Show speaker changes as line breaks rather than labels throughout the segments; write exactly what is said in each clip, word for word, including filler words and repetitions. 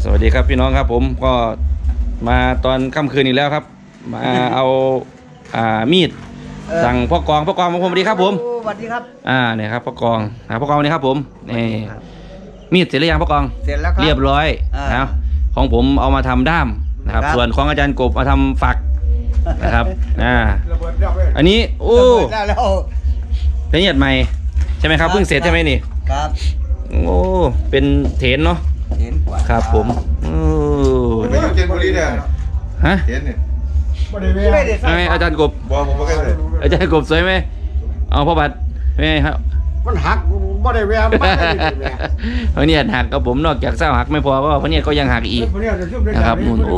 สวัสดีครับพี่น้องครับผมก็มาตอนค่ำคืนอีกแล้วครับมาเอาอ่ามีดสั่งพ่อกองพ่อกองของผมสวัสดีครับผม
สวัสดีครับ
อ่าเนี่ยครับพ่อกองอ่าพ่อกองนี่ครับผมนี่มีดเสร็จหรือยังพ่อกอง
เสร็จแล้วครับ
เรียบร้อยนะของผมเอามาทำด้ามนะครับส่วนของอาจารย์กบมาทำฝักนะครับอ่าอันนี้โอ้ละเอียดใหม่ใช่ไหมครับเพิ่งเสร็จใช่ไหมนี่
ครับ
โอ้เป็นเถนเนาะ
เห็นกว่า
ครับผมโอ้
ไม่อยู่เจนบุรีเนี่ย
ฮะ
เห็นเนี่ย
ไม่ได้
ไงอาจารย์กบ
บอกผมว่าแค่เลย
อาจารย์กบสวยไหมเอาพ่อบัตรไม่ครับ
มันหักบ่ได้แวมบ่ได้แวม
เพราะเนี่ยหักกับผมนอกจากเศร้าหักไม่พอก็เพราะเนี่ยก็ยังหักอีกนะครับนู่นโอ้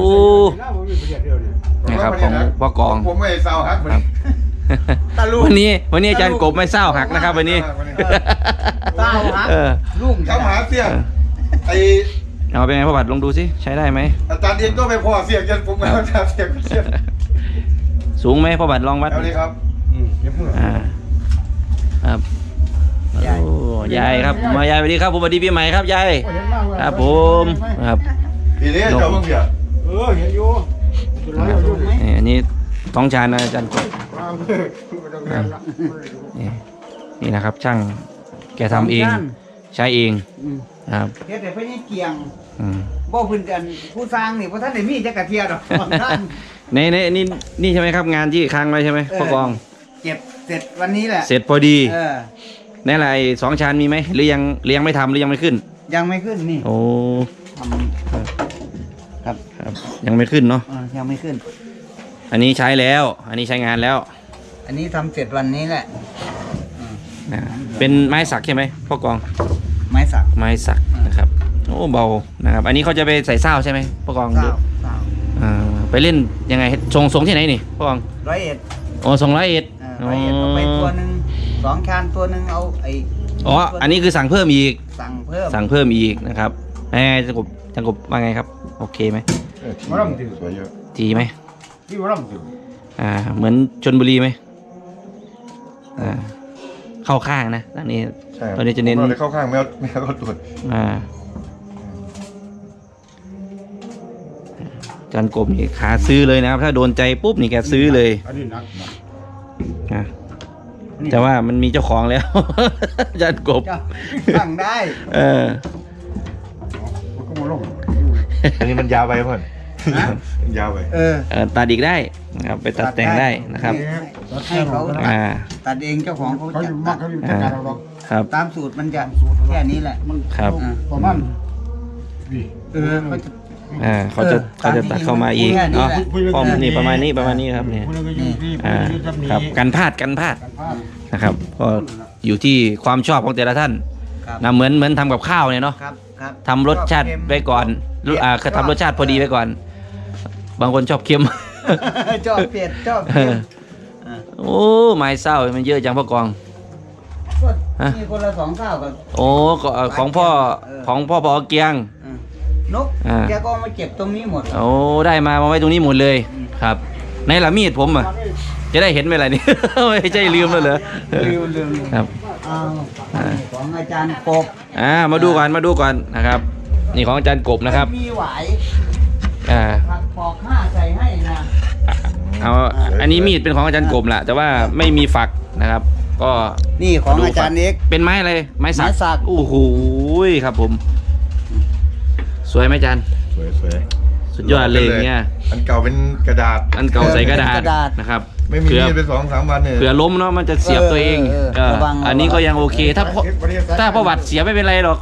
นะครับของพ่อกอง
ผมไม่เศร้าหัก
วันนี้วันนี้อาจารย์กบไม่เศร้าหักนะครับวันนี้
เศร้าหัก
ลูกเข้าหาเสียไอ
เอาเป็นไงพ่อบัตรลองดูสิใช้ได้ไหม
อาจารย์เองก็ไม่พอเสียงจนผมไม่เอาอาจารย์เสียงเสียง
สูงไหมพ่อบัตรลองวัด
เอาเลยครับ
อ่าครับโอ้ยายครับมายายสวัสดีครับผมสวัสดีปีใหม่ครับยายครับผมครับ
ปีนี้เจ้าเพิ่งเสีย
เออเห็นอยู่
นี่อันนี้ท้องชานนะอาจารย์กบนี่นี่นะครับช่างแกทำเองใช้เองครับ
เฮ็ดแต่เพิ่นยังเกียง
บ่
เพิ่นกันผู้สร้างนี่บ่ทันได้มีจักกะเทียดอก
ในในนี่นี่ใช่ไหมครับงานที่ค้างไว้ใช่ไหมพ่อกอง
เก็บเสร็จวันนี้แหละ
เสร็จพอดี
เออ
ในอะไรสองชานมีไหมหรือยังหรือยังไม่ทำหรือยังไม่ขึ้น
ยังไม่ขึ้นนี่
โอ้
ครับ
ครับยังไม่ขึ้นเนาะ
ยังไม่ขึ้น
อันนี้ใช้แล้วอันนี้ใช้งานแล้ว
อันนี้ทำเสร็จวันนี้แหละ
เป็นไม้สักใช่ไหมพ่อกอง
ไม้สัก
ไม้สักนะครับโอ้เบานะครับอันนี้เขาจะไปใส่เส้าใช่ไหมพ่อกอง
เส้า
อ่าไปเล่นยังไงส่งส่งที่ไหนนี่พ่อกอง
ร้อยเอ็ด
อ๋อส่งร้อยเอ็ด
ร้อยเอ็ดเอาไปตัวหนึ่งสองชานตัวหนึ่งเอาไอ
อ๋ออันนี้คือสั่งเพิ่มอีก
สั่งเพิ่ม
สั่งเพิ่มอีกนะครับแหมจังกบจังกบว่าไงครับโอเคไหม
วรำถือสวยเยอะ
ดีไหม
ที่วรำถือ
อ่าเหมือนชลบุรีไหมอ่าเข้าข้างนะตอนนี้ตอนนี้จะเน้น
เข้าข้างไม่เอาไม่เอาตรวจ
อ่าจันกบนี่ขาซื้อเลยนะครับถ้าโดนใจปุ๊บนี่แกซื้อเลย
อันนี้นัก
นะแต่ว่ามันมีเจ้าของแล้วจันกบ
สั่งได้
เออ
อันนี้มันยาวไปเพื่อนยาวไป
เออ
ตัดอีกได้นะครับไปตัดแต่งได้นะครับ
ให้เขาตัดเองเจ้าของเขาจะตัด
ครับ
ตามสูตรมันจะแค่นี้แหละ
ครับ
ประมาณ
เออเขาจะ
อ่าเขาจะเขาจะตัดเข้ามาอีกเนาะป้อมนี่ประมาณนี้ประมาณนี้ครับเนี่ยอ่าครับกันพลาดกันพลาดนะครับก็อยู่ที่ความชอบของแต่ละท่านนะเหมือนเหมือนทำกับข้าวเนี่ยเนาะทำรสชาติไว้ก่อนอ่าคือทำรสชาติพอดีไว้ก่อนบางคนชอบเค็ม
ชอบเผ็ดชอบเค็ม
โอ้ไม้เศร้ามันเยอะจังพ่อกอง
มีคนละสองเศร้ากับ
โอ้ของพ่อของพ่อพอเกียง
นกแกก็มาเก็บตรงนี้หมด
โอ้ได้มามาไว้ตรงนี้หมดเลยครับในละมีดผมอ่ะจะได้เห็นไหมล่ะนี่ไม่ใช่ลืมแล้วเหรอ
ลืมลืม
ครับ
ของอาจารย์กบ
อ่ามาดูก่อนมาดูก่อนนะครับนี่ของอาจารย์กบนะครับ
มีหวาย
อ่า
ปอกห้าใส่ให้นะ
เอาอันนี้มีดเป็นของอาจารย์กบแหละแต่ว่าไม่มีฝักนะครับก็
นี่ของอาจารย์เอก
เป็นไม้อะไรไม้สักโอ้โหครับผมสวยไหมอาจารย์
สวยสวย
สุดยอดเลยเนี่ย
อันเก่าเป็นกระดาษ
อันเก่าใส่กระดาษนะครับ
ไม่มีเป็นสองสามวันเนี่ย
เผื่อล้มเนาะมันจะเสียบตัวเองอันนี้ก็ยังโอเคถ้าถ้าประวัติเสียไม่เป็นไรหรอก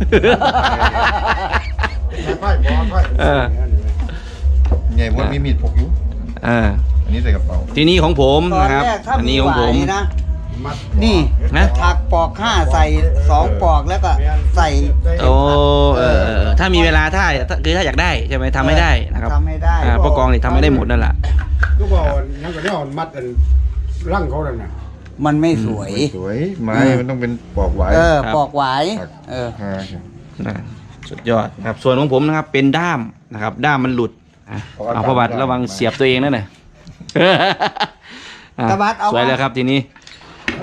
ไงว่ามีมีดพกอยู่
อ่า
อันนี้ใส่กระเป๋า
ทีนี้ของผมนะครับอันนี้ของผม
นะนี่นะถักปอกห้าใส่สองปอกแล้วก็ใส่
โอ้เออถ้ามีเวลาถ้าคือถ้าอยากได้ใช่ไหมทำไม่ได้นะครับ
ทำไม่ได้
พ่อกองนี่ทำไม่ได้หมดนั่นแหละ
ก็บอกนั่นก็ได้อ่อนมัดอันร่างเขาเลยนะ
มันไม่สวย
สวยไม้มันต้องเป็นปอกไว้
เออปอกไว้เออ
สุดยอดครับส่วนของผมนะครับเป็นด้ามนะครับด้ามมันหลุดเอาพระบาทระวังเสียบตัวเองนั่นแหละสวยแล้วครับทีนี้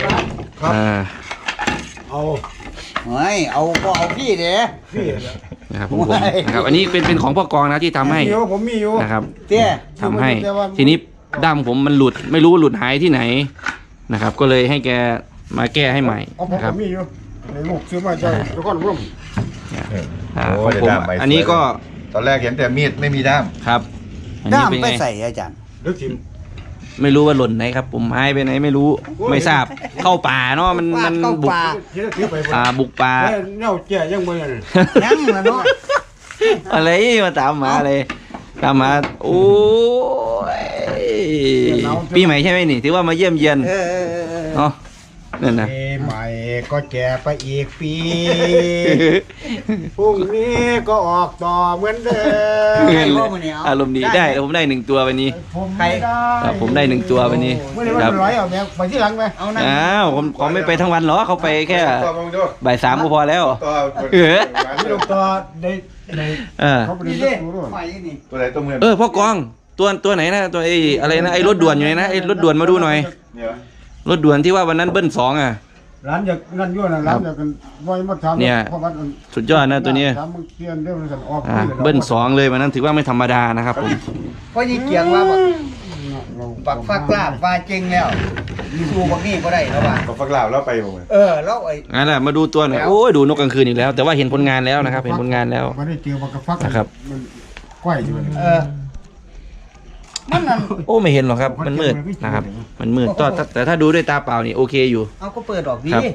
เอา
เฮ้ยเอาก็เอาพี่เด้
นะครับผมผมนะครับอันนี้เป็นเป็นของพ่อกองนะที่ทำให้
มีอยู่ผมมีอยู่
นะครับ
เตี้ย
ทำให้ทีนี้ด้ามผมมันหลุดไม่รู้หลุดหายที่ไหนนะครับ ก็เลยให้แกมาแก้ให้ใหม่
เอาผม
นะครับ
มีอยู่ในลูกซื้อมาจากนครพนม
อ่า
โอ้
ของผม
ได้ด้ามใบ
อันนี้ก็
ตอนแรกเห็นแต่มีดไม่มีด้าม
ครับอัน
ด้า
นี้
ม
เป็น
ไป
ไง
ใส่อาจารย์
ลึกทิม
ไม่รู้ว่าหล่นไหนครับ ผมหายไปไหนไม่รู้ไม่ทราบเข้าป่าเนาะมันมัน
เข้า
บุก
ป่า
เฮ็ดถือไป
ป่าบุกป่า
แล้วเน่าแก่ยังบ่ยัง
ยังละเนาะ
อะไรมาตามหมาเลยตามหมาโอ้ยปีใหม่ใช่ไหมนี่ถือว่ามาเยี่ยมเยียน
เออเออเออเออ
เนาะนั่นนะ
ปีใหม่ก็แก่ไปอีกปีพรุ่งนี้ก็ออกต่อเหมือนเดิม
ใครว่ามื้อนี้เอา
อารมณ์ดีได้ผมได้หนึ่งตัววันนี้
ผมไม่ได้
ครับผมได้หนึ่งตัววันนี้
เมื่อไหร่
ค
วั
รับ
นร้อยเอาแม่ไปที่หลังไหม
เอานั่น
อ้าวผมผมไม่ไปทั้งวันหรอกเขาไปแค่
ตัวมึงดู
บ่ายสามก็พอแล้ว
ตัว
เออ
ที่ลงต่อได้ได้
เออ
เขาไป
นี่
เรี
ดิ
ยนรู้ด้วย
หอยนี่
ตัวไหนตัวเมือง
เออพ่อกองตัวตัวไหนนะตัวไอ้อะไรนะไอ้รถด่วนอยู่ไหนนะไอ้รถด่วนมาดูหน่อย
เนี่ย
รถด่วนที่ว่าวันนั้นเบิ้ลสองอ่ะ
ร้านอยากนั่นอยู่นะร้านอยากกันไว้มาทำ
เนี่ย
เพราะว่ามัน
สุดยอดนะตัวเนี้ย
ทำมึงเตียนเรื่องมันกันออก
อ่าเบิ้ลสองเลยวันนั้นถือว่าไม่ธรรมดานะครับผม
เพราะยี่เกียงว่าบักบักฟักลาบว่าจริงแล้วมีสู้บักนี่ก็ได้แล้วว่า
ก็ฟักลาวแล้วไปผม
เออแล้วไอ้
งั้นแหละมาดูตัวหน่อยโอ้ยดูนกกลางคืนอีกแล้ว แต่ว่าเห็นผลงานแล้วนะครับ เห็นผลงานแล้ว
มันได้เจอมันกระฟัก
นะครับ
มันก้อยอยู่
เออมันนั่น
โอ้ไม่เห็นหรอกครับ มันมืดนะครับ มันมืดแต่แต่แต่ถ้าดูด้วยตาเปล่านี่โอเคอยู่
เอาก็เปิดออกดี
ครับ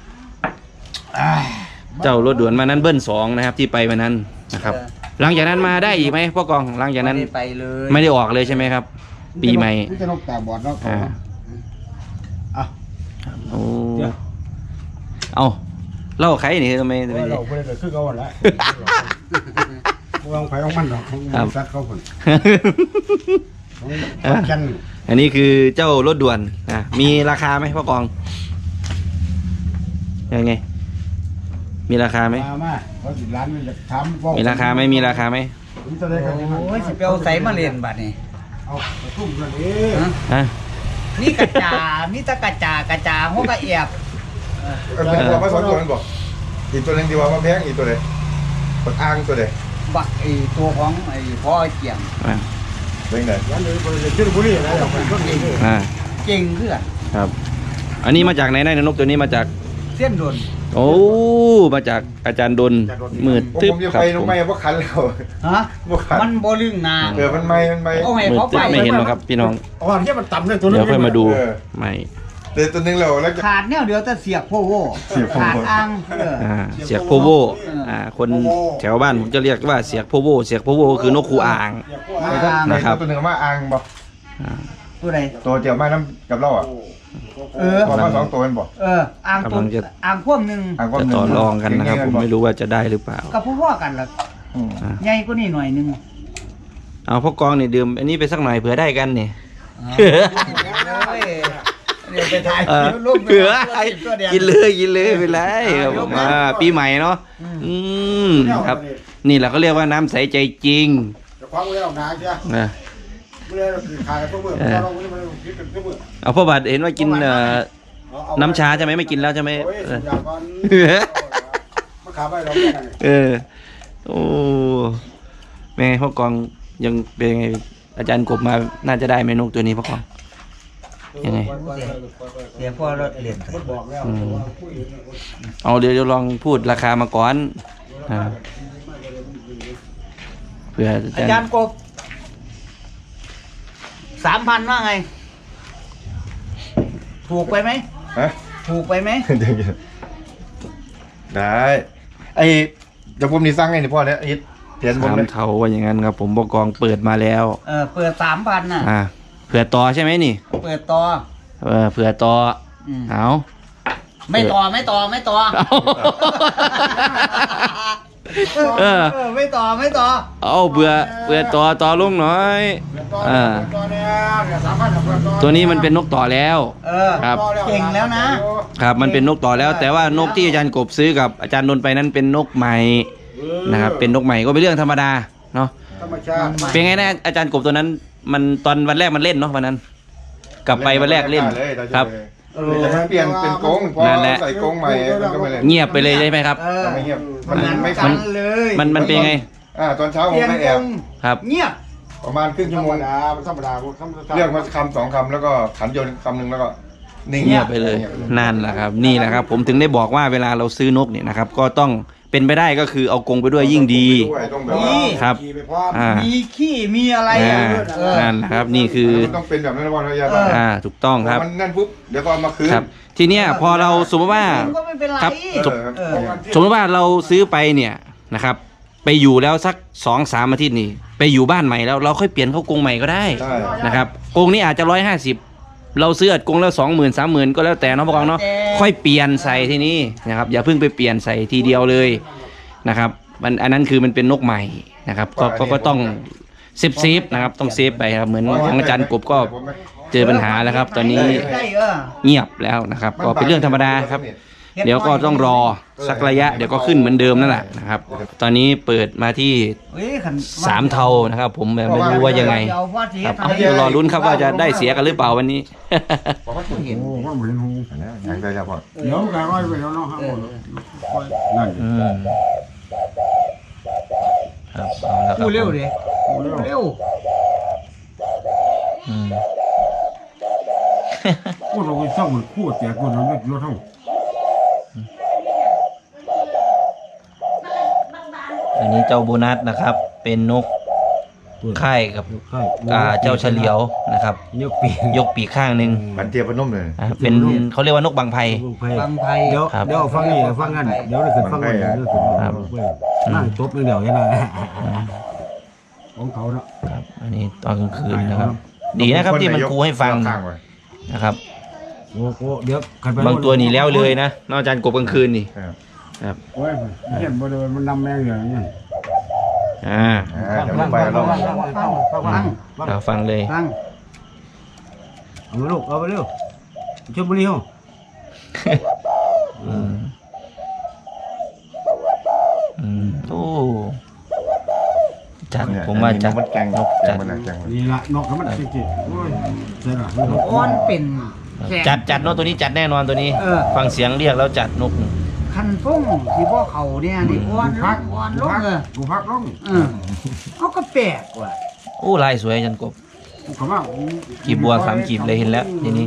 เจ้ารถด่วนมานั้นเบิ้ลสองนะครับที่ไปวันนั้นนะครับ หลังจากนั้นมาได้อีกไหมพ่อกองหลังจากนั้น
ไม่ได้ไปเลย
ไม่ได้ออกเลยใช่ไหมครับ ปีใหม่
นี่จะนกตาบอดเนาะ
อ่า
อ่ะ
โอ้เอาเล่าใครนี่ทำไมทำไม
เราไปเลยคือเขาหมดแล้ววางไฟของมันเนาะของสัตว์เขาผลของกัน
อันนี้คือเจ้ารถด่วนอ่ะมีราคาไหมพ่อกองยังไง มีราคาไหม
มามาเพราะสิร้านมันจะทำ
มีราคาไหมมีราคาไหม
นี่จะได้กัน
โอ้ยสิไปเอาใส่มาเล่นบัดนี้
เอาไปทุ่มกันเอง
ฮะ
ฮะ
นี่กระจามีแตะกระจากระจาหัวกระเอียบ
เออบอกว่าสองตัวนั้นบอกอีกตัวหนึงที่ว่ามาแพงอีกตัวไหนปักอ่างตัวไหน
บักไอ้ตัวของไอ้พ่อเกียง
อ่ะ
เป็นไง
ร้านนี้บริษัทชื่อบุรีอะไรเอาไปก็เอง
อ่า
เก่งเพื่อน
ครับ อันนี้มาจากไหนนะนกตัวนี้มาจาก
เส้นดน
โอ้มาจากอาจารย์ดนมืด
ผม
ทึบ
ผมจะ
ครับ
ไปล
ผ
ง
ม
ไม่เพราะคันแล้ว
ฮะ
บ่คัน
มันบ่ลึงนาง
เออมันไม่มันไม่
เอาให้
มืด
เขา
ทึ
ไป
บไม่เห็นหรอกครับพี่น้อง
อ๋อที่มันต่ำเลยตัวนี้
เดี๋ยวค่อยมาดู
เออ
ใหม่
เดี๋ยวตัวหนึงเราแล้วจะ
ขาดเนี่ยเดี๋ยวจะเสียบโพโว
เสียบโพโว่
ขาดอ่างเออ
อ่าเสียกโพโวอ่าคนแถวบ้านผมจะเรียกว่าเสียกโพโวเสียกโพโวคือนกคูอ่าง
อ่าง
นะครับ
ตัวหนึงมาอ่างบอก
อ่า
ตัวใด
ตัวเจียวมาน้ำกับเราอ่ะ
เออ
บอกมาสองตัวเป็นบอก
เอออ่างตัว
กำลังจะ
อ่างพ่วงหนึ่ง
อ่างก็
จะ
หนึ่ง
ต่อรองกันนะครับ ผมไม่รู้ว่าจะได้หรือเปล่า
กับพ่อๆกันล่ะ
อืม
อ่า
ใหญ่กว่านี่หน่อยหนึง
เอาพ่อกองนี่ดื่มอันนี้ไปสักหน่อยเผื่อได้กันนี่
เฮ้ยเดี๋ยวไปถ่าย
เออ
รูป
เผื่อ
ตัวเดียว
กินเลยกินเลยไปเลยครับผมอ่าปีใหม่เนาะอืมครับ นี่แหละเขาเรียกว่าน้ำใสใจจริง
จะคว้าไว้เอาหนาเชียว
นะ
ไม่ได้คือขายตัวมือเราไม่ได้คิดเป็นตัวมือ
เอาพ่อบัตรเห็นว่ากินเอ่อน้ำชาใช่ไหมไม่กินแล้วใช่ไหม
โอ้ย
เออ
อยากก่อนมาขาไปเราแค่นั้น
เออโอ้แม่พ่อกองยังเป็นไงอาจารย์กบมาน่าจะได้เมนูตัวนี้พ่อกองยังไง
เดี๋ยวพ่อเราเรียนไป
บอกแล้ว
เอาเดี๋ยวเดี๋ยวลองพูดราคามาก่อนอ่าเพื่ออา
อา
จาร
จาร
ย์
ย์กบสามพันว่าไง ถูกไปไหม
ฮะ
ถูกไปไหม
เดี๋ยวๆได้ไอ้เดี๋ยวผมนี่สั่งไอ้นี่พ่อเนี่ยไอ้เทียนผม
สาม
เลย
เท่าว่าอย่างนั้นครับ ผมบอกกองเปิดมาแล้ว
เออเปิดสามพันน่ะ
อ่าเผื่อต่อใช่ไหมนี่
เปิดต่อ
เออเผื่อต่อ
อืม
เอา
ไม่ต่อไม่ต่อไม่ต่อ
เอาเออ
เออไม่ต่อไม่ต่อ
เอาเบื่อเบื่อต่อต่อลงหน่อยอ่า
ตัวเนี้ยเนี่ยสามพัน
ตัวนี้มันเป็นนกต่อแล้ว
เออ
ครับ
เก่งแล้วนะ
ครับมันเป็นนกต่อแล้ว แต่ว่านกที่อาจารย์กบซื้อกับอาจารย์นนท์ไปนั้นเป็นนกใหม่นะครับเป็นนกใหม่ก็เป็นเรื่องธรรมดาเนาะ
ธรรมชาติ
เป็นไงนะอาจารย์กบตัวนั้น มันตอนวันแรกมันเล่นเนาะวันนั้น กลับไปวันแรกเล่นครับ
เออจะมาเปลี่ยนเป็นกรงพอ
นั่นแหละ
ใส่กรงใหม่มันก็ไม่เล่น
เงียบไปเลยใช่ไหมครับ
เออ
ไม่เงียบมัน
เหมือน
ไม่
กั
คัน
นเลย
มันมันเป็นไง
อ่าตอนเช้า
เป
ผม
ลี่ยน
ไปแอ
ว
บ
ง
ครับ
เงียบ
ประมาณครึ่ง
ธร
ชั่ว
ร
โม
ม
ง
ดามันธรรมดาธรรมดา
เรียกมาคำสองคำแล้วก็ขันโยนคำหนึ่งแล้วก็นิ่ง
เงียบไปเลยนั่นแหละครับนี่แหละครับ ผมถึงได้บอกว่าเวลาเราซื้อนกเนี่ยนะครับ ก็ต้องเป็นไปได้ก็คือเอากรงไปด้วยยิ่งดี
ต้องแบบว่า
นี่
ครับ
ขี่ไปพร้อม
อ่า
มีขี้มีอะไร
อ่า
อ่ะเออ
นั่นแหละครับนี่คือ
มันต้องเป็นแบบนั้นนะวันระยะ
เออ
อ่าถูกต้องครับ
มันนั่นปุ๊บเดี๋ยวก็เอามาคืน
ครับ ทีเนี้ยพอเราสมมติว่า
ก็ไม่เป็นไร
ครับ
เออ
เออ
สมมติว่าเราซื้อไปเนี่ยนะครับ ไปอยู่แล้วสักสองสามอาทิตย์นี่ไปอยู่บ้านใหม่แล้วเราค่อยเปลี่ยนเข้ากรงใหม่ก็ได้
ใช่
นะครับกรงนี้อาจจะร้อยห้าสิบเราซื้ออัดกรงแล้วสองหมื่นสามหมื่นก็แล้วแต่เนาะพวกเราเนาะค่อยเปลี่ยนใส่ที่นี่นะครับอย่าเพิ่งไปเปลี่ยนใส่ทีเดียวเลยนะครับมันอันนั้นคือมันเป็นนกใหม่นะครับก็ก็ก็ต้องเซฟเซฟนะครับต้องเซฟไปครับเหมือนของอาจารย์กบก็เจอปัญหาแล้วครับ ตอนนี้
ได้เออ
เงียบแล้วนะครับ ก็เป็นเรื่องธรรมดาครับ เดี๋ยวก็ต้องรอสักระยะเดี๋ยวก็ขึ้นเหมือนเดิมนั่นแหละนะครับ ตอนนี้เปิดมาที่
เฮ้ยขัน
สามเทานะครับ ผมแบบไม่รู้ว่ายังไง
เอาว่าเสีย
ครับ
ทำ
เดี๋ยวรอลุ้นครับว่าจะได้เสียกันหรือเปล่าวันนี้
บอกว่า
เห็น
โอ้ว่าเหมือนหู
อันนี้อย่างไรครับพ่อ
เดี๋ยวก็ร้อยไปแล้วเนาะห้าหมดนั่น
อืมครับเอาแล้วครับ
พูดเร็วดิ
เร็ว
เร็ว
อืม
พูดเราไปเศร้าเหมือนพูดแต่คนเราไม่รู้เท่า
อันนี้เจ้าโบนัสนะครับ เป็นนกค่ายกับ
ใช่
อ่าเจ้าเฉลียวนะครับ
ยกปี
ยกปีกข้างหนึ่ง
บันเทียบพนมเลย
อ่าเป็นเขาเรียกว่านกบางไพ
บางไพ
เดี๋ยว
ครับ
เดี๋ยวฟังนี่ฟังงั้นเดี๋ยวเราขึ้นฟังงั้นเดี๋ยวขึ้นนั่งจบเดี๋ยวยังไงของเขาเนาะ
ครับ อันนี้ตอนกลางคืนนะครับ ดีนะครับที่มันครูให้ฟัง
ข้างไว้
นะครับ
โอ้โหเดี๋ยว
บางตัวหนีแล้วเลยนะนอกจากกบกลางคืนนี่
ครับ
ครับ
โอ้ยเห็นบ่เดินมันนำแม่งอย่างนี้
อ่า
อ่าเดี๋ยวเราไปเรา
ฟังฟังฟัง
เราฟังเลย
ฟัง
เอาลูกเอาไปเร็วชมบุรีเหรอ
อืมอืมโอ้จัดผมว่าจัด
มันแกง
นก
แก
จั
ง
ด
มันแกง
นี่ละนกมันจริงๆโอ้ยใช่ละ
อ้อนเป็นแขก
จัดจัดเนกตัวนี้จัดแน่นอนตัวนี้
เออ
ฟังเสียงเรียกแล้วจัดนก
คันฟงที่พ่อเขาเนี่ยนี่อ้อนลงอ้อนลงเออ
กูพักลง
เออเขาก็แปลกว่ะ
โอ้ลายสวยจันกบ
เขาว่า
กีบบัวสามกีบเลยเห็นแล้วทีนี้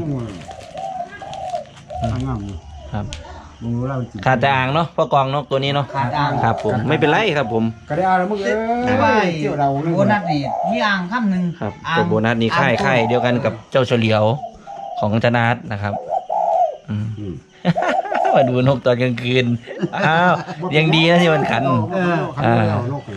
งาม
ครับ
มึงรู้แล้ว
ขาดแต่อ่างเนาะพ่อกองนกตัวนี้เนาะ
ขาดอ่าง
ครับผมไม่เป็นไรครับผม
ก็ได้เอาแล้วมึงเอ้
แต่ว่าย
เที่ยวเรา
โบนัสนี่มีอ่างคำหนึ่ง
ครับ
อ่าง
ตัวโบนัสนี้ค่ายค่ายเดียวกันกับเจ้าเฉลียวของธนาทนะครับอืม มาดูนกตอนกลางคืนอ้าวยังดีนะที่มันขัน
เออ
อ่านก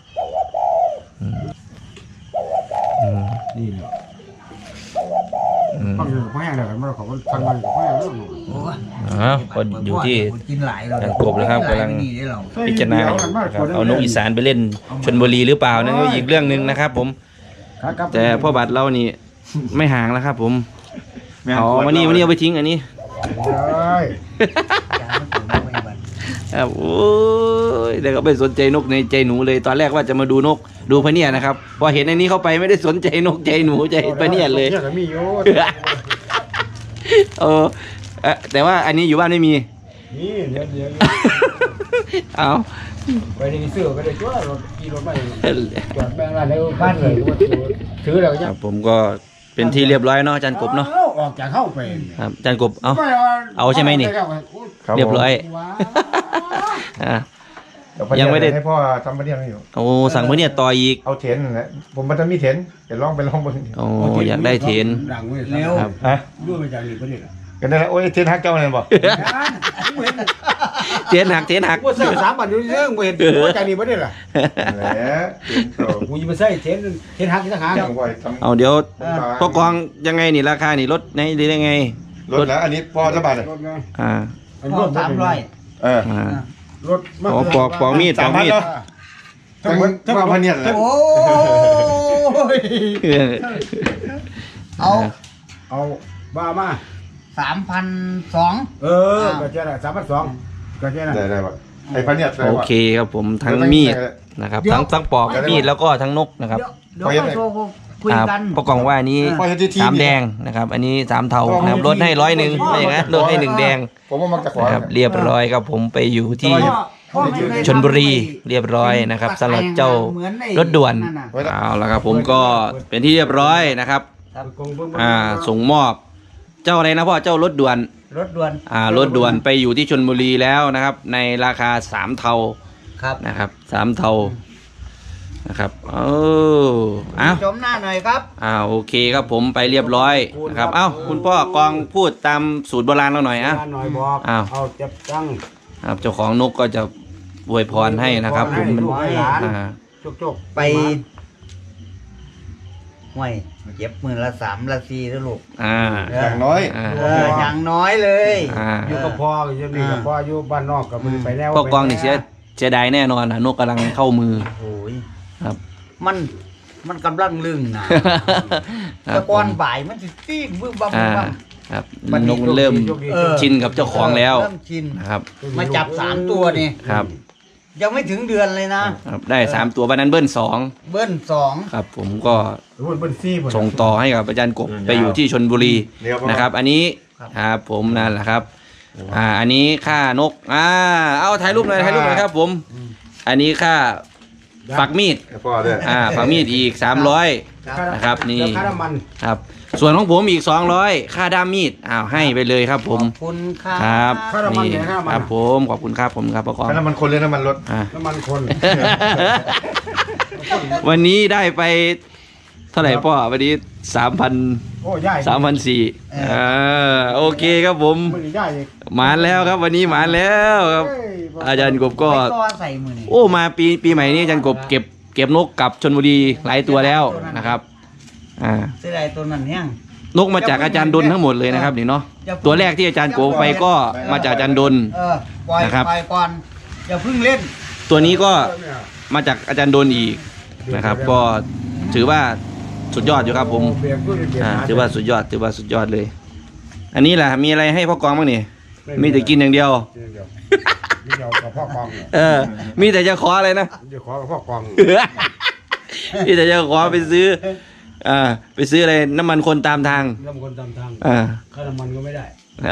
อืม
นี่แหละ
อืม
ฟังอยู่กับพ่อแห้งเลยมันเขาก็ฟังมันกับพ่อแห้งแล้ว
โอ้ย
อ๋อคนอยู่ที่
กินหลายเรา
ทางกบเลยครับกำลัง
นี่ได้เรา
พิจารณาอยู่นะครับเอานกอีสานไปเล่นชลบุรีหรือเปล่านั่นก็อีกเรื่องหนึ่งนะครับผม แต่พ่อบัตรเรานี่ไม่ห่างแล้วครับ ผมเอาวันนี้วันนี้เอาไปทิ้งอันนี้
ใช่
ครับโอ้ยเดี๋ยวก็ไปสนใจนกในใจหนูเลยตอนแรกว่าจะมาดูนกดูพะเนียดนะครับพอเห็นอันนี้เข้าไปไม่ได้สนใจนกใจหนูใจพะเนียดเลย
เนี่ยก็มีอยู่
เออเอ่อแต่ว่าอันนี้อยู่บ้านไม่มี
นี่เดี๋ยวเดี๋ยว
เอา
ไปในเสื้อก็ได้ช่วยรถขี่รถไปจอดแม่งอะไรบ้านเลยถือแล้ว
ค
ยั
รั
ง
บผมก็เป็นที่เรียบร้อยเนาะอาจารย์กบเนาะ
ออกจากเข้าไป
ครับอาจารย์กบเอาเอาใช่ไหมนี่
ครับ
เรียบร้อยอ่ะ ยังไม่ได้
ให้พ่อทำประเดี๋ยวนี้อยู่
โอ้สั่งพะเนียดต่ออีก
เอาเทนนั่นแหละผมมันจะมีเทนเดี๋ยวลองไปลองเบน
โอ้อยากได้เทน
ดังเว้ย
เร็ว
ครับ
ฮะ
ด้วยมาจากนี่ประเดี๋ยว
กันได้แล้วโอ้ยเทนฮักเจ้าเนี่ยบอก
เทนหักเทนหัก
ว่าใส่สามบาทอยู่เรื่องบ่เห็นว่าจากนี่ประเดี๋ยวล่ะ
แหละเทนโต
กูจะมาใส่เทนเทนหักที่ทหาร
จังหวะทำ
เอาเดี๋ยวพ่อกองยังไงนี่ราคานี่ลดในหรือยังไง
รถแล้วอันนี้พ่อจะบาทเลย
รถไง
อ่า
พ่อสามร้อย
เออ
อ่าร
ถ
อ๋อปอกปอกมีดปอกมีด
ทั้งทั้งมาพันเนี่ยแหละ
โอ้ย
เออ
เอา
เอาบ้ามา
สามพันสอง
เออก็เจ๊น่ะสามพันสองก็เจ๊น่ะ
ได้ได้ปะไอ้พันเนี่ยได้
โอ
ปะ
เคครับผมทั้งมีดนะครับทั้งทั้งปอกมีดแล้วก็ทั้งนกนะครับ
เดี๋ยวเดี๋ยวค่อยโทรคุย
ครับ
กัน
พ่อกองว่าอันนี้
พ่อจะที่ที
สามแดงนะครับ อันนี้สามเทานะครับลดให้ร้อยหนึ่งไม่อย่างนั้นลดให้หนึ่งแดง
ผมว่ามันจะขอ
นะครับเรียบร้อยครับผมไปอยู่ที่
พ่อไม่เคย
ชลบุรีเรียบร้อยนะครับสำหรับเจ้ารถด่วนเอาละครับผมก็เป็นที่เรียบร้อยนะครับอ่าส่งมอบเจ้าอะไรนะพ่อเจ้ารถด่วน
รถด่วน
อ่ารถด่วนไปอยู่ที่ชลบุรีแล้วนะครับ ในราคาสามเทา
ครับ
นะครับสามเทานะครับเออเอา
ชมหน้าหน่อยครับ
อ่าโอเคครับผมไปเรียบร้อยนะครับเอ้าคุณพ่อกองพูดตามสูตรโบราณเราหน่อยอ่ะ
หน่อยบอก
อ้าว
เอาจับตั้ง
ครับเจ้าของนกก็จะอวยพรให้นะครับผมมัน
ให้หลาน
อ่า
จกๆ
ไปห่วยเจ็บมือละสามละสี่แล้วลูก
อ่า
อย่างน้อย
อ่า
เอออย่างน้อยเลย
อ่า
อยู่กับพ่ออยู่นี่กับพ่ออยู่บ้านนอกกับมือไปแล้ว
พ่อกองนี่เสียเสียดายแน่นอนนะนกกำลังเข้ามือ
โอ้ย
ครับ
มันมันกำลังลึงนะ
ครั
ตะ
บ
กอนบ่ายมันสิตีบึ้มบัมบึ้
อ่าม
บัม
ครับนกมันเริ่ม
เออ
ชินกับเจ้าของแล้ว
เริ่มชิน
นะครับ
มาจับสามตัวนี่
ครับ
ยังไม่ถึงเดือนเลยนะครับ
ได้สามตัววันนั้นเบิ้ลสอง
เบิ้ลสอง
ครับ ผมก็
รุ่นเบิ้ลซี่หมด
ส่งต่อให้กับอาจารย์กบไปอยู่ที่ชลบุรี
เดี๋ยว
นะครับ อันนี้ครับผมนั่นแหละครับ อ่า อันนี้ค่านก อ่า เอาถ่ายรูปหน่อยถ่ายรูปหน่อยครับ ผม อันนี้ค่าฝักมีด
ให้พ่อด้วย
อ่า ฝักมีดอีกสามร้อย
ครับ
นะครับนี่
แล้วค่าน้ำมัน
ครับ ส่วนของผมอีกสองร้อยค่าด้ามมีด อ้าว ให้ไปเลยครับผม
ขอบคุณครับ
ครับ
ค่าน้ำมัน
นี่
เนี่ยค่าน้ำมัน
ครับผม ขอบคุณครับผมครับประกอบ
ถ้าน้ำมันคนเลยน้ำมันรถ
อ่า
น้ำมันคน
วันนี้ได้ไปเท่าไหร่พ่อวันนี้สามพัน
โอ้ย่าย
สามพันสี่เออโอเคครับผม
มันย่ายอีก
หมานแล้วครับวันนี้หมานแล้วครับ
เฮ้ยบอก
อาจารย์กบก็
ไปต่อใส่มือนี่
โอ้มาปีปีใหม่นี้อาจารย์กบเก็บเก็บนกกลับชลบุรีหลายตัวแล้วนะครับอ่า
เสียดายตัวนั้นเนี่ย
นกมาจากอาจารย์ดนทั้งหมดเลยนะครับนี่เนาะตัวแรกที่อาจารย์โกไปก็มาจากอาจารย์ดน
เออปล่อย
นะครับ
ปล่อยก่อนอย่าเพิ่งเล่น
ตัวนี้ก็มาจากอาจารย์ดนอีกนะครับ ก็ถือว่าสุดยอดอยู่ครับผม
เบียร์ด้วยเบียร์
อ่า
ห
ถือว่าสุดยอดถือว่าสุดยอดเลย อันนี้แหละมีอะไรให้พ่อกองบ้างนี่มีแต่กินอย่างเดียว
เดี๋ยวนี่เดี๋ยวกับพ่อกองเนี่ย
เออ มีแต่จะขออะไรนะ
เดี๋ยวขอกับพ่อกอง
มีแต่จะขอไปซื้ออ่าไปซื้ออะไรน้ำมันคนตามทาง
น้ำคนตามทาง
อ่า
ค่าน้ำมันก็ไม่ได้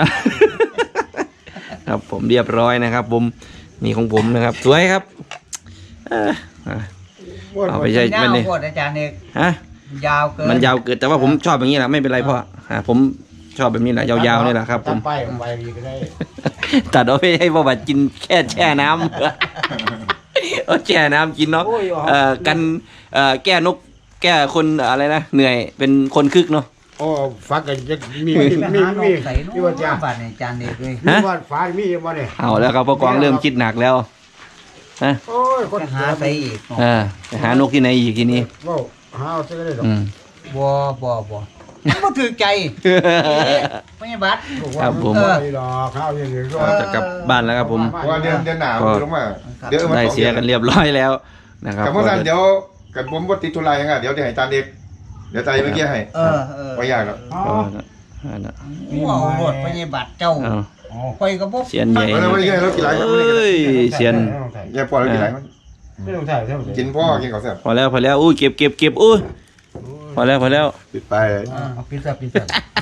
ครับผมเรียบร้อยนะครับ ผมนี่ของผมนะครับ สวยครับเอ่ออ่ะ เอาไปใช้
ยา
มัน
ว
นี่
โคตรอาจารย์เอก
ฮะ
ยาวเกิน
มันยาวเกินแต่ว่าผมชอบอย่างนี้แหละไม่เป็นไรพ่ออ่าผมชอบแบบนี้แหละยาวๆนี่แหละครับ ผม
ตัดไปผมไปอีกก็ได้
ตัดเอาไปให้พ่อบัตรกินแค่แช่น้ำ เอาแช่น้ำกินเนาะเอ่อกันเอ่อแก้นกแก้คนอะไรนะเหนื่อยเป็นคนคึกเนาะ
โอ้ฟักกันจะมี
มี
มี
มี
มี
มี
มี
ใส่นู่
ที่ว่าจะ
นบาทในอาจารย์เอกเลย
มีว่าฟ้ามีมาเนี่ย
เอาแล้วครับพ่อกองเริ่มคิดหนักแล้วฮะ
โอ้ยคน
จะหาใส่อีกเนาะ
เออไปหานกที่ไหนอีกทีนี้
ว้าวหาเอาซะก็ได้ดอก
อืม
บ่บ่บ่มันบ่ถือใจไม่ใช่บัตร
ครับผม
เออดอกข้าวอย่างนี้ก็
จะกลับบ้านแล้วครับผม
เพราะว่าเดือนเดือนหนาวลงมาเดี๋ยวมา
ได้
สอง
เสียกัน
ดือ
เรียบร้อยแล้วนะครับ
กับพวกนั้นเดี๋ยวกับผมว่าติดธุระยังไงเดี๋ยวจะให้จานเด็กเดี๋ยวใจเมื่อกี้ให้
เออเออ
ไม่ยากหรอก
อ๋อ
ก็นั่นน่ะ
ว้าวรถไม่ใช่บัตรเจ้า
เอา
ไปกับพวก
เสียนใหญ่
แล้วไม่ใช่เรากินไรครับ
เอ้ยเสียน
ยายปอเรากินไรมั้ย
ไม่ต้องถ่ายไม่ต้องถ่าย
กินพ่อกินข้าวแซ่บ
พอแล้วพอแล้วอุ้ยเก็บเก็บเก็บอุ้ยพอแล้วพอแล้ว
ปิดไป
เอาพิซซ่าพิซซ่า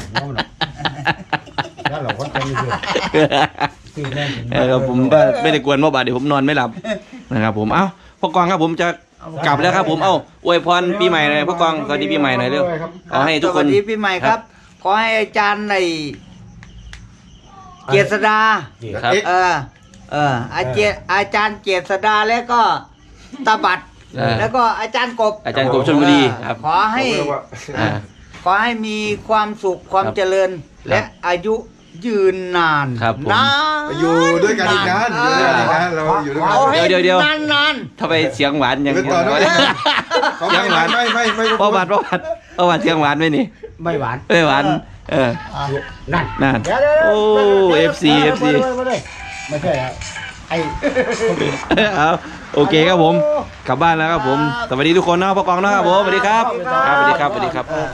แล้วเราก็จะมีเพื่อนตื่นแน่น
เออครับผมก็ไม่ได้กวนเมื่อบาดเดี๋ยวผมนอนไม่หลับนะครับผมเอ้าพ่อกองครับผมจะกลับแล้วครับผมเอ้าอวยพรปีใหม่หน่อยพ่อกองสวัสดีปีใหม่หน่อยเร็วขอให้ทุกคน
สวัสดีปีใหม่ครับ ขอให้อาจารย์ในเกียรติดา
ครับ
เออ เออ อาจารย์อาจารย์เกียรติดาแล้วก็ตาบัด
เออ
แล้วก็อาจารย์กบ
อาจารย์กบชลบุรีครับ
ขอให้
อ่า
ขอให้มีความสุขความ
ครับ
เจริญ และอายุยืนนาน
ครับผม
นาน
อยู่ด้วยกันอีกนานอยู่ด้วยกันอีกนานเราอยู่ด้วยกัน
เอาให้
เดี๋ยวเดี๋ยว
นานนาน
ทำไมเสียงหวานอย่าง
เป็น
นี้
ต่อด้วย เขา
เสียงหวาน
ไม่ไม่ไม่
พ่อบาดพ่อบาดพ่อบาดเสียงหวานไหมนี่
ไม่หวาน
ไม่หวานเออ
นั่น
นั่น
เดี๋ยวเดี๋ยว
โอ้ เอฟซี เอฟซี
ไม่ใช่อะไอ้
เอาโอเคครับผม กลับบ้านแล้วครับผม สวัสดีทุกคนนะพ่อกองนะครับผม สวัสดีครับ ครับ สวัสดีครับ สวัสดีครับ